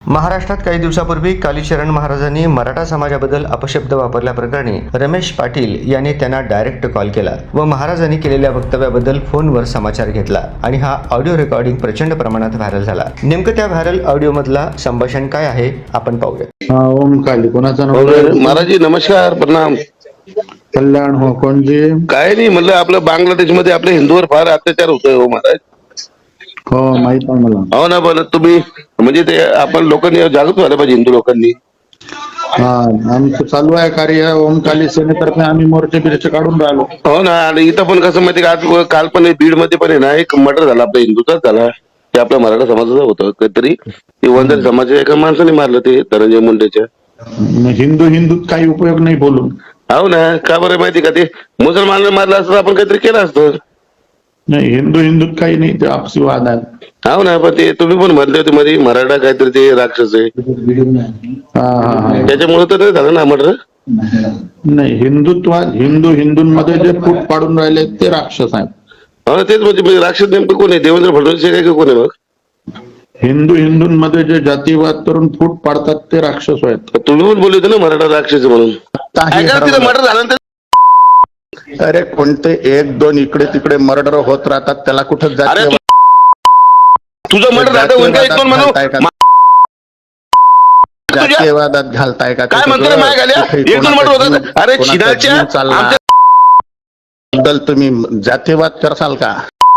महाराष्ट्रात काही दिवसापूर्वी कालीचरण महाराजांनी मराठा समाजाबद्दल अपशब्द वापरल्याप्रकरणी रमेश पाटील यांनी त्यांना डायरेक्ट कॉल केला व महाराजांनी केलेल्या वक्तव्याबद्दल फोनवर समाचार घेतला आणि हा ऑडिओ रेकॉर्डिंग प्रचंड प्रमाणात व्हायरल झाला। नेमकं त्या व्हायरल ऑडिओ मधला संभाषण काय आहे आपण पाहूया। ओम काली कोणाचा नंबर? महाराज जी नमस्कार, प्रणाम। कल्याण हो कोणजी? काय नाही म्हणलं, आपलं बांगलादेश मध्ये आपल्या हिंदूवर फार अत्याचार होतोय हो महाराज। हो माहित आहे मला। हो ना, पण तुम्ही म्हणजे ते आपण लोकांनी जागृत व्हायला पाहिजे, हिंदू लोकांनी। हा आमचं चालू आहे कार्य ओम काली सेनेतर्फे, आम्ही मोर्चे बिर्चे काढून राहिलो। हो ना, आणि इथं पण कसं माहिती का, आज काल पण बीड मध्ये पण आहे ना, एक मर्डर झाला आपल्या हिंदूचाच झाला, ते आपल्या मराठा समाजाचं होतं काहीतरी, ते वंदर समाजाच्या एका माणसाने मारलं, ते धनंजय मुंडेच्या। हिंदूत काही उपयोग नाही बोलून। हो ना, का बरं माहिती का, ते मुसलमानांना मारलं असतं आपण काहीतरी केलं असतं। नाही हिंदूत काही नाही, ते आपसी वाद आहे। हो ना, पण ते तुम्ही पण म्हणले होते मध्ये मराठा काहीतरी ते राक्षस आहे, त्याच्यामुळे तर नाही झालं ना मर्डर। नाही हिंदुत्वात हिंदूंमध्ये जे फूट पाडून राहिले ते राक्षस आहेत। हो तेच, म्हणजे राक्षस नेमकं कोण आहे? देवेंद्र फडणवीस काय का कोण आहे मग? हिंदूंमध्ये जे जातीवाद करून फूट पाडतात ते राक्षस आहेत। तुम्ही पण बोलले होते ना मराठा राक्षस म्हणून। तिथं मर्डर झालं, अरे कोणते एक दोन इकडे तिकडे मर्डर होत राहतात, त्याला कुठं जातीय तुझं मर्डर झालं जातीयवादात घालताय का? काय म्हणतो माय घाल्या? एक दोन मर्डर होतात, अरे चिनाच्या बद्दल तुम्ही जातीयवाद करसाल का?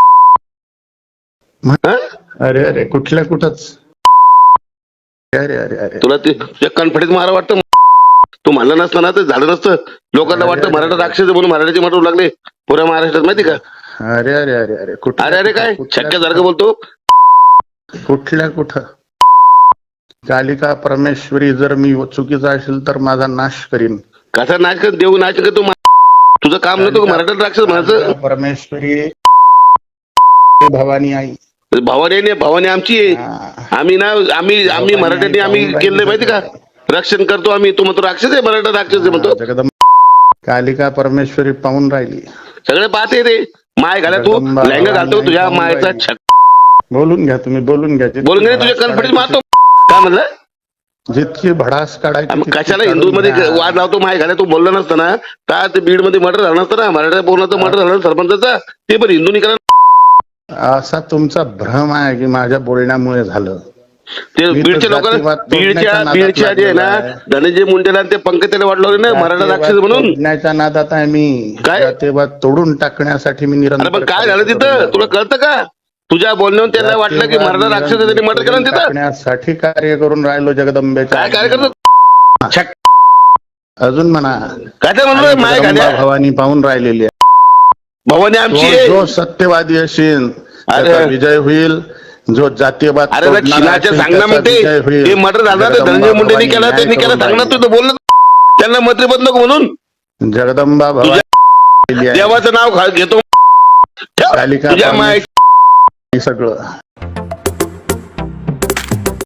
अरे अरे कुठल्या कुठंच, अरे अरे अरे तुला ते कॉन्फिडन्स मारा वाटतं, तू म्हणलं नसतं ना तर झालं नसतं। लोकांना वाटतं मराठा राक्षस म्हणून मराठाचे मर्डर लागले पुऱ्या महाराष्ट्रात, माहिती का? अरे अरे अरे अरे अरे अरे काय शक्यसारखं बोलतो? कुठल्या कुठं कालिका परमेश्वरी जर मी चुकीचा असेल तर माझा नाश करीन। कसा नाच कर, देऊ नाच कर तू, तुझं काम नव्हतं मराठा राक्षस म्हणायचं। परमेश्वरी भवानी आई, भावानी नाही, भावानी आमची आहे। आम्ही ना आम्ही मराठ्यांनी आम्ही केलं माहिती का, रक्षण करतो आम्ही। तू म्हणतो राक्षस आहे, मराठा राक्षस आहे म्हणतो। जगदंब कालिका परमेश्वरी पाहून राहिली, सगळे पाहते रे। माय घाला तू लहंगा घालतो तुझ्या मायचा छक। बोलून घ्या तुम्ही, बोलून घ्या, बोलून घे, तुझ्या कॉन्फिडन्स मारतो। काय म्हणलं? जितकी भडास काढायची कशाला हिंदू मध्ये वाद लावतो? माय घाला तू बोलला नसतं ना का ते बीड मध्ये मर्डर झालं नसतं ना, मराठा बोलण्याचं मर्डर झालं सरपंचाचा, ते पण हिंदूंनी करा। असा तुमचा भ्रम आहे की माझ्या बोलण्यामुळे झालं। ते बीडच्या लोकांना, बीडच्या जे आहे ना धनंजय मुंडेला ते पंकजाला वाटलं ना मराठा राक्षस म्हणून, तोडण्याच्या नादात आहे मी। काय तेव्हा तोडून टाकण्यासाठी मी निरंतर। पण काय झालं तिथं तुला कळतं का? तुझ्या बोलण्यावर त्यांना वाटलं की मराठा राक्षस त्यांनी मर्डर केलं तिथं। टाकण्यासाठी कार्य करून राहिलो जगदंबेच्या। काय कार्य करतो? अजून म्हणा काय म्हणलं? माय घाल्या भवानी पाहून राहिलेली आहे, भवानी आमची आहे। जो सत्यवादी असेल त्याचा विजय होईल, जो जातीयवाद अरे चिनाच्या सांगणार म्हणते ते मर्डर झालं तर धनंजय मुंडेंनी केला, त्यांनी केला सांगणार, तू बोललं त्यांना मंत्रीपद नको म्हणून। जगदंबा भवानी देवाचं नाव घेतो कालिका तुझ्या माय सगळं